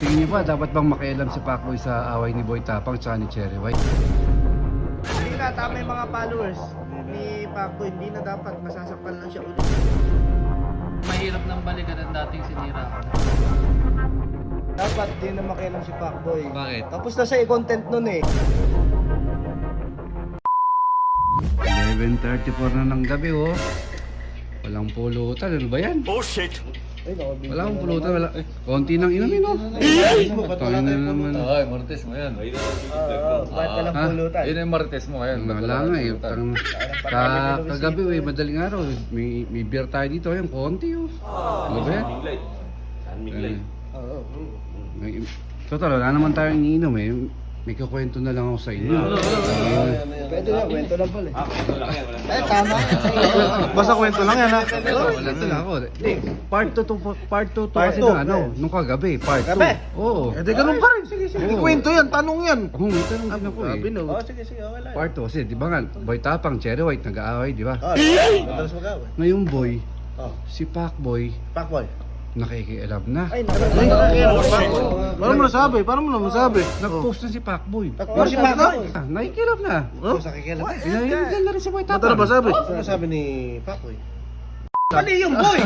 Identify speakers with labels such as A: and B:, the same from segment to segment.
A: Tingin niyo ba, dapat bang makialam si Pacboy sa away ni Boy Tapang at ni Cherry White?
B: Hindi na, tama yung mga followers ni Pacboy. Hindi na dapat, masasaktan lang siya ulit.
C: Mahirap nang balikan ang dating sinira ko.
B: Dapat din na makialam si Pacboy.
A: Bakit?
B: Tapos na siya i-content nun eh.
A: 11:34 na ng gabi oh. Walang pulutan, ano ba yan?
D: Oh shit!
B: Ay,
A: Wala akong pulutan, wala. Konti nang inumin oh.
B: Ba't wala
A: Tayo na
B: tayong
A: naman.
E: Ay, Martes mo yan.
B: Ba't walang
A: Ha?
B: pulutan?
E: Yun yung Martes mo ngayon.
A: Wala nga eh. Kagabi eh, madaling araw. May beer tayo dito. Ayun, konti oh. Ano ba yan?
B: Oo.
A: Total, wala naman tayong iniinom eh. May kukwento na lang ako sa inyo.
B: Pwede na, kwento lang pala. Eh, tama.
F: Basta kwento lang yan ha.
A: Wala na lang ako. Hindi, part 2 to kasi
B: two.
A: na ano, nung kagabi, part 2.
B: Gabi?
A: Oo.
F: Eh di ganun pa rin. Sige, sige.
A: Oo.
F: Kwento yan, tanong yan.
A: Oo, may tanong din ako eh.
B: Oh, sige, sige, okay lang.
A: Part 2 kasi, di ba nga, Boy Tapang, Cherry White, nag-aaway, di ba?
B: Madalas mag-away.
A: Ngayong boy,
B: Oh,
A: si Pacboy,
B: Pacboy.
A: nakikialam na.
B: Ay, nakakailan.
F: Paano mo nasabi? Paano mo nasabi?
A: Nag-post na si Pacboy.
B: Pacboy si Pacboy.
A: Nakikialam na.
B: Oh, nakikilan.
A: Pinahiligan na rin si Boy
F: Mata na
A: Tapang.
F: ba sabi?
B: Ano sabi ni Pacboy? Mali yung boy!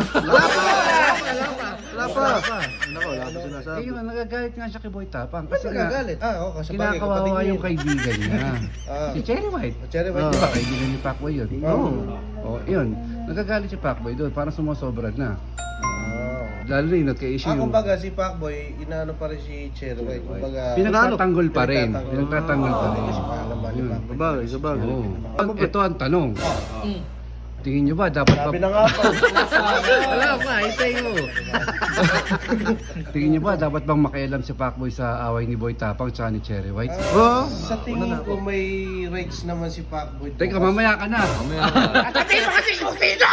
F: Wala pa. Nako, wala pa sinasabi.
A: Eh, yun, nagagalit nga siya kay Boy Tapang.
B: Ba't
A: Kasi nga,
B: nagagalit? Ah, oo, kasi bagay, kapatid
A: kinakawawa
B: niya
A: yung
B: yun.
A: kaibigan niya.
B: Ah.
A: Si Cherry White.
B: Cherry
A: Di
B: White.
A: ba, kaibigan ni Pacboy yun?
B: Oo.
A: Oh, yun. Nagagalit si Pacboy doon, parang sumasobra na. Lalo na yung nagka-issue yung...
B: Kumbaga si Pacboy, inaano pa rin si Cherry White. Kumbaga,
A: Pinagtatanggol pa rin.
B: Pinagtatanggol.
A: Pinagtatanggol pa rin.
B: Kasi paalam ba ni
A: Yun.
B: Pacboy?
F: Sabagay, sabagay.
A: Oo. Ito ang tanong. Tingin nyo ba dapat
B: Sabi na nga pa.
A: Wala pa, hintay mo. Tingin nyo ba dapat bang makialam si Pacboy sa away ni Boy Tapang at ni Cherry White?
F: Oo.
B: Sa tingin ko may rights naman si Pacboy.
A: Teka, mamaya ka na.
B: Sabihin mo kasi kung sino!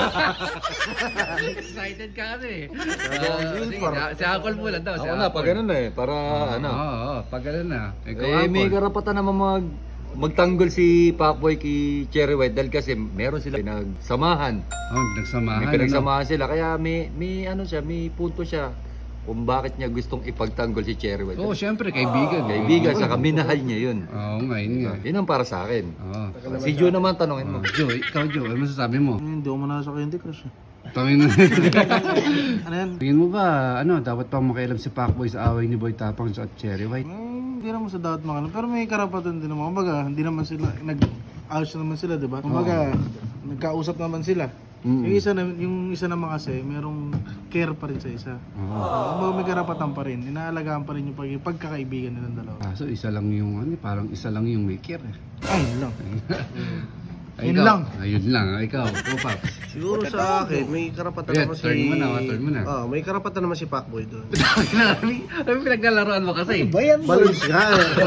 A: Excited ka kasi. Si Uncle mo lang daw.
E: Ako na, pag ganun na eh. Para ano.
A: Oo, pag ganun na. Ikaw,
E: Eh, may
A: Uncle.
E: karapatan naman magtanggol si Pacboy kay Cherry White dahil kasi meron sila pinagsamahan.
A: Oh, nagsamahan.
E: May pinagsamahan sila kaya may ano siya, may punto siya kung bakit niya gustong ipagtanggol si Cherry White.
A: Oo, syempre, kaibigan.
E: Kaibigan, saka minahal niya yun.
A: Oo, ngayon nga.
E: Yun ang para sa akin.
A: Oo.
E: Si Joe naman tanongin mo.
A: Joe, ikaw Joe, ano masasabi mo?
F: Hindi ako manasa sa Candy Crush.
A: Tangin na.
F: Ano yan?
A: Tingin mo ba, ano, dapat pang makialam si Pacboy sa away ni Boy Tapang at Cherry White?
F: Hindi naman sa dapat makalam. Pero may karapatan din naman. Kumbaga, hindi naman sila, nag-ayos naman sila, di ba? Kumbaga, nagkausap naman sila.
A: Mm.
F: Yung isa naman kasi, merong care pa rin sa isa.
A: Oo.
F: Kumbaga may karapatan pa rin. Inaalagaan pa rin yung pagkakaibigan nilang dalawa.
A: Kaso isa lang yung, ano, parang isa lang yung may care.
F: Ay, yun lang.
A: Ay,
F: Yun
A: ikaw.
F: lang.
A: Ayun lang, ikaw. Paps.
B: Siguro sa akin, may karapatan
A: Yeah,
B: naman si...
A: turn mo na, turn mo na.
B: May karapatan naman si Pacboy doon.
A: Ano pinaglalaroan mo kasi?
B: Bayan balance nga.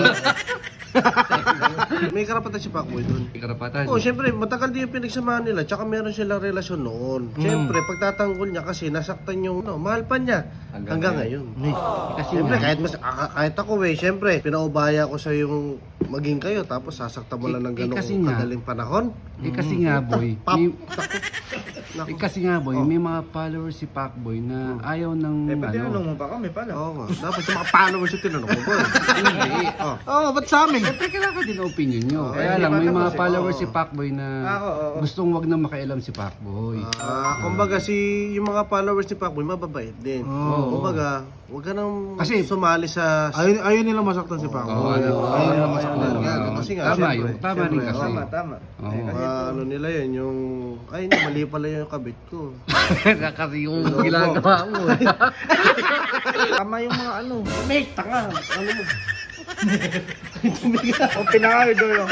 B: May karapatan si Pacboy doon.
A: May karapatan.
B: Oh, syempre, matagal din yung pinagsamahan nila, tsaka meron silang relasyon noon. Syempre, pagtatanggol niya kasi nasaktan yung, mahal pa niya hanggang ngayon.
A: Kasi
B: Syempre,
A: nga,
B: kahit ako syempre, pinaubaya ko sa yung maging kayo, tapos sasaktan mo lang ng
A: Eh, kasi
B: ganong
A: nga.
B: kadaling panahon.
A: kasi nga boy,
B: Pap,
A: may,
B: naku.
A: kasi nga boy, may mga followers si Pacboy na ayaw ng ano.
B: mo pa kami pala. Oo nga. Dapat yung mga followers yung tinanong mo ba?
A: Hindi.
F: Oo, ba't sa amin?
A: Siyempre kailangan din ang opinion nyo. Kaya
B: hindi
A: lang,
B: pa
A: may
B: tapos
A: mga
B: eh.
A: followers
B: Oo.
A: si Pacboy na
B: Oo.
A: gustong wag na makialam si Pacboy.
B: Kumbaga yung mga followers ni Pacboy mababait din. Kumbaga, wag ka nang
A: Kasi-
B: sumali sa...
F: Ayun nila masaktan si Paco.
A: Oo, ano,
F: Ayun nila masaktan.
B: Kasi nga,
A: tama
B: syempre,
A: yun. Tama rin kasi.
B: Tama.
A: Oo.
B: Ano nila yun, yung... Ay, hindi, mali pala yung kabit ko.
A: Kasi yung ginagawa mo.
B: Tama yung mga ano. Mate, tanga. Ano mo? O pinakayo doon.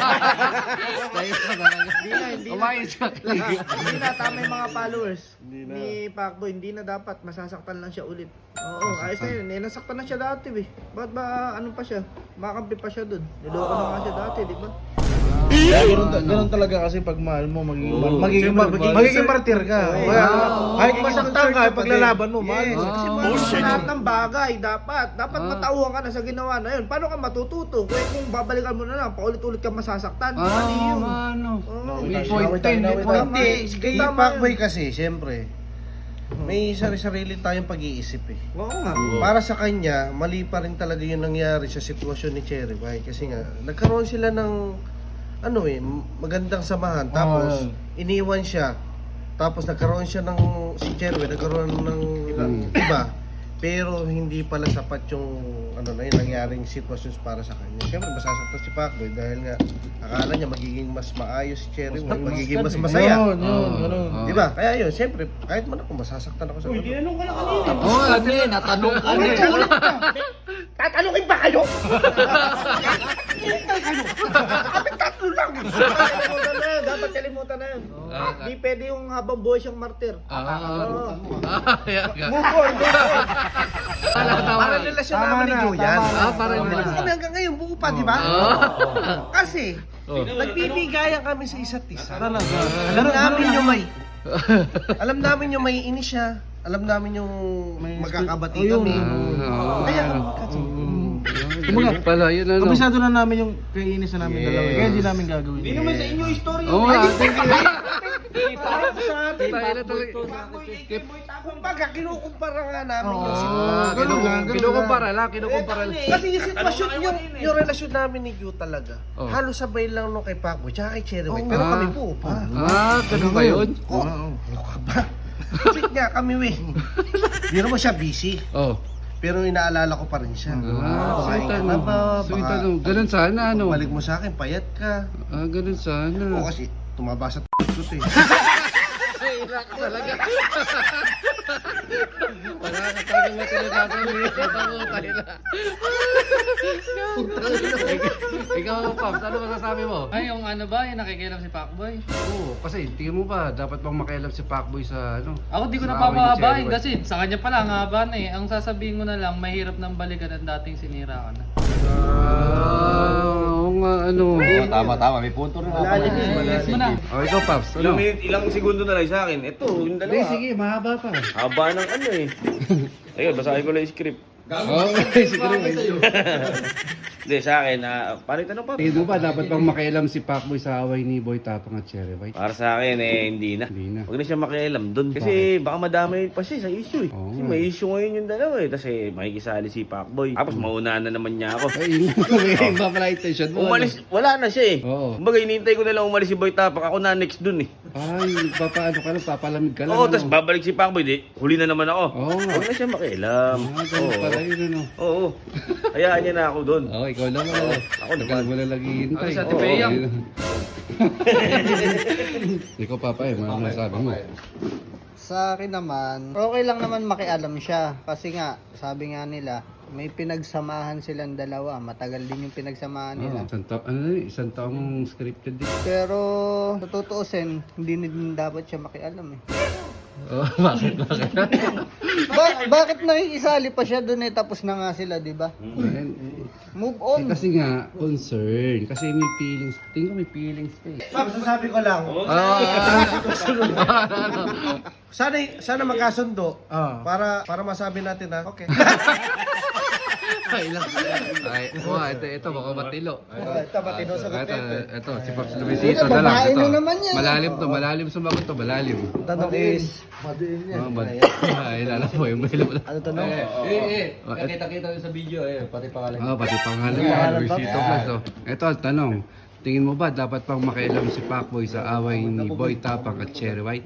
B: Hindi na.
A: Umayos ka.
B: Hindi na, tama yung mga followers ni Pacboy. Hindi na dapat, masasaktan lang siya ulit. Oo, ayos na yun. Nasaktan na siya dati, Ba't ba, ano pa siya? Makampi pa siya doon. Niloko na nga siya dati, di ba?
F: Ganun talaga kasi pag mahal mo, magiging martir ka. Kaya, kahit masaktan ka, paglalaban mo, mahal
B: Yes,
F: mo.
B: kasi mahal mo sa lahat ng bagay, dapat matauhan ka na sa ginawa na yun. Paano ka matututo? Kung babalikan mo na lang, paulit-ulit ka masasaktan. Mali yun.
A: Ano?
B: Oo.
A: May point 10, may point
B: Tama,
A: 10.
B: kay Pacboy kasi, syempre,
D: may sarili-sarili tayong pag-iisip eh.
B: Oo nga.
D: Para sa kanya, mali pa rin talaga yung nangyari sa sitwasyon ni Cherry White. Kasi nga, nagkaroon sila ng magandang samahan. Tapos, iniwan siya. Tapos nagkaroon siya ng, si Cherry White, nagkaroon ng iba. Pero hindi pala sapat yung yung nangyaring sitwasyon para sa kanya. Siyempre, masasaktan si Pacboy dahil nga akala niya magiging mas maayos si Cherry White, magiging mas masaya.
F: Yun.
D: Di ba? Kaya yun, siyempre, kahit man ako masasaktan ako sa
B: Uy, tinanong ko na kanina.
E: Oo, natanong ka na.
B: Tatanungin ba kayo? Hintay kayo. Kami tatlo lang. Kalimutan na yun. Dapat kalimutan na yun. Di pwede yung habang buhay siyang martir. Move on.
D: Para relasyon namin ni Joe yan.
A: Para
D: Kami hanggang ngayon, buo pa, di ba? Kasi, nagbibigayan kami sa isa't isa. Alam namin yung may inis siya. Alam namin yung magkakabati kami. Kaya
A: Kumbaga pala, yun ano.
F: Kabisado na namin yung kainis na namin dalawa. Kaya hindi namin gagawin.
B: Hindi naman sa inyo story.
A: Oo nga,
D: sa atin,
A: tayo na talaga.
D: kumbaga, kinukumpara nga namin yung
A: Kinukumpara lang.
D: Kasi yung sitwasyon, yung relasyon namin ni Q talaga,
A: Oh.
D: halos sabay lang nung kay Pacboy, tsaka kay Cherry White. Pero kami po pa.
A: Ganun ba yun?
D: Ano ka ba? Kasi nga kami, Biro mo siya busy.
A: Oh.
D: Pero inaalala ko pa rin siya.
A: Sweet
D: Kumain ka
A: ano.
D: na ba?
A: Sweet
D: Baka
A: ano. Ganun sana ano.
D: Balik mo sa akin, payat ka.
A: Ganun sana.
D: Oo, kasi tumaba sa ko eh.
A: Wala ka talaga matinagagawin. Tayo na. Ikaw, Pops, ano masasabi mo?
C: Ay, yung ano ba, yung nakikialam si Pacboy?
A: Oo, kasi tingin mo ba, dapat bang makialam si Pacboy sa ano?
C: Ako di ko
A: sa
C: na
A: away ni Cherry
C: papahabain
A: White?
C: kasi sa kanya pala ang haba na eh. Ang sasabihin ko na lang, mahirap nang balikan ang dating sinira ka na.
A: Oo nga, ano.
E: Tama, may punto rin ako.
C: Yes mo na.
A: O, ikaw, Pops, ano?
G: Ilang segundo na lang sa akin. Ito, yung
A: Hindi,
G: dalawa.
A: sige, mahaba pa.
G: Haba ng ano eh. Ayun, basahin ko lang yung script.
A: Oo, sige.
G: Hindi, sa akin, paano tanong pa?
A: Tingin mo ba, dapat bang makialam si Pacboy sa away ni Boy Tapang at Cherry White?
G: Para sa akin, hindi na.
A: Hindi na.
G: Huwag na siya makialam doon. Kasi baka madamay pa siya sa issue eh.
A: Oo
G: Kasi
A: nga.
G: may issue ngayon yung dalawa eh. Tapos makikisali si Pacboy. Tapos maunaan na naman niya ako.
A: Ay, yun yung iba pala intention mo.
G: Umalis, wala na siya eh.
A: Oo.
G: Kumbaga, hinihintay ko na lang umalis si Boy Tapang. Ako na next dun eh.
A: Ay, papaano ka lang, papalamig ka lang.
G: Oo,
A: ano?
G: tapos babalik si Pacboy. Di, huli na naman ako.
A: Oo nga.
G: Huwag na siya makialam.
A: Ganun pala yun, ano.
G: Oo. Hayaan niya na ako doon.
A: Oo, ikaw lang ano.
G: Ako naman.
A: Tagal mo na lagi hintay.
C: Ako sa Tipeyang.
A: Ikaw, Papa, ano masasabi mo?
H: Sa akin naman, okay lang naman makialam siya. Kasi nga, sabi nga nila, may pinagsamahan silang dalawa. Matagal din yung pinagsamahan nila.
A: Isang taong scripted din.
H: Pero, sa tutuusin, hindi din dapat siya makialam eh.
A: Oh, bakit?
H: Bakit nakikisali pa siya dun eh? Tapos na nga sila, di ba? Move on.
A: Kasi nga, concern. Kasi may feelings. Tingin ko may feelings pa eh.
D: Ma'am, sasabi ko lang, sana magkasundo para masabi natin na okay.
A: Ay, lang. Ay, ito, baka matilo.
D: Ito, matino sa
A: Ito, si Pops Luisito na lang.
H: babae
A: Ito.
H: na naman yan.
A: Malalim sumagot to, malalim.
H: Tanong is,
A: Ay, lala po, yung mahilo pala.
H: ano tanong?
E: Nakita-kita sa video pati pangalan.
A: Pati pangalan niya, Luisito Plus. Ito, ang tanong. Tingin mo ba dapat pang makialam si Pacboy sa away ni Boy Tapang at Cherry White?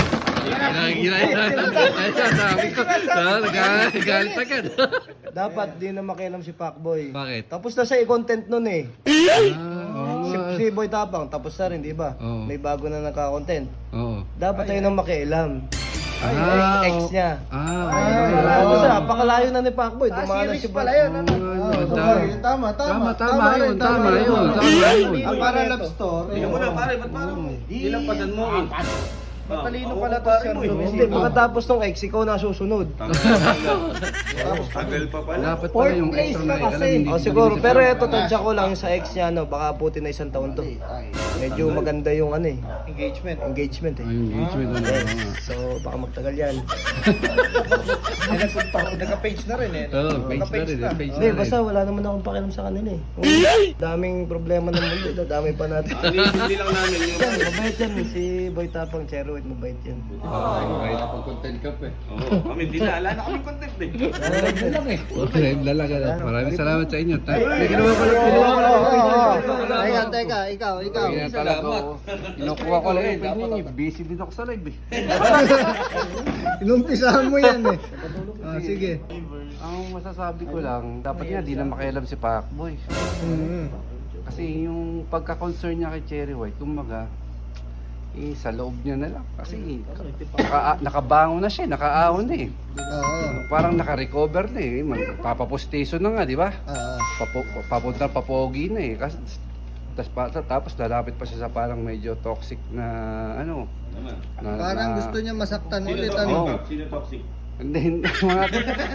A: Galit agad.
D: Dapat di na makialam si Pacboy.
A: Bakit?
D: Tapos na siya i-content nun eh. Si Boy Tapang, tapos na rin, di ba?
A: Oo.
D: May bago na nagka-content.
A: Oo.
D: Dapat tayo nang makialam.
A: Ah,
D: Ex niya.
A: oo.
D: Kasi napakalayo na ni Pacboy. Dumanas si Boy.
A: Tama yun.
D: Para love story.
G: Tingnan mo na pare, ba't parang nilampasan mo eh?
B: Matalino pala to si
D: Hindi, pagkatapos ng ex, ikaw na susunod.
G: Tagal pa pala.
A: Dapat pala yung
H: Fourth place
A: extra
H: na
A: na
H: kasi.
D: O siguro, pero eto, tadya ko lang sa ex niya, no, baka puti na 1 taon to. Medyo maganda yung ano eh. Engagement eh.
A: Ay, engagement na naman.
D: So, baka magtagal yan.
B: Nagka-page na rin eh.
A: Oo, page na rin. Page
D: Hindi,
A: na rin.
D: basta wala naman akong pakialam sa kanila eh. Daming problema ng mundo, dadamay pa natin.
G: Hindi lang namin yung
D: Yan, mabait yan si Boy Tapang, Cherry
B: White, mabait yan.
A: Kahit na pag content ka pa eh.
G: Oo, kami din na. Wala na kaming content eh.
A: Okay, lalaga na. Maraming salamat sa inyo. Ginawa ko lang.
H: Teka, ikaw.
A: Salamat. Kinukuha ko lang. Busy din ako sa live eh.
H: Inumpisahan mo yan eh. Sige.
A: Ang masasabi ko lang, dapat nga di na makialam si Pacboy. Kasi yung pagka-concern niya kay Cherry White, kumbaga, sa loob niya na lang. Kasi nakabangon na siya, nakaahon na eh.
H: Oo.
A: Parang naka-recover na eh. Papapostason na nga, di ba? Papunta papogi na eh. Kasi, tapos lalapit pa siya sa parang medyo toxic na ano.
H: Parang gusto niya masaktan ulit.
A: Oo.
G: Sino toxic?
A: Hindi, mga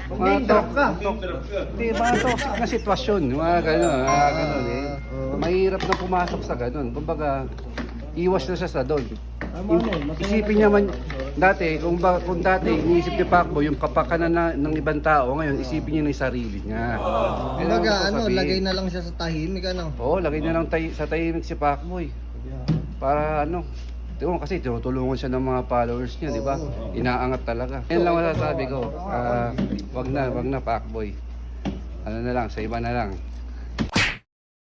A: toxic na sitwasyon, mga gano'n, eh. Mahirap na pumasok sa gano'n. Kumbaga, iwas na siya sa doon. Isipin niya man, dati, kung dati iniisip ni Pacboy yung kapakanan ng ibang tao, ngayon isipin niya ng sarili niya.
H: Kumbaga, lagay na lang siya sa tahimik,
A: Oo, lagay na lang sa tahimik si Pacboy. Para kasi tinutulungan siya ng mga followers niya, di ba? Inaangat talaga. Yan lang masasabi ko. Wag na Pacboy. Ano na lang, sa iba na lang.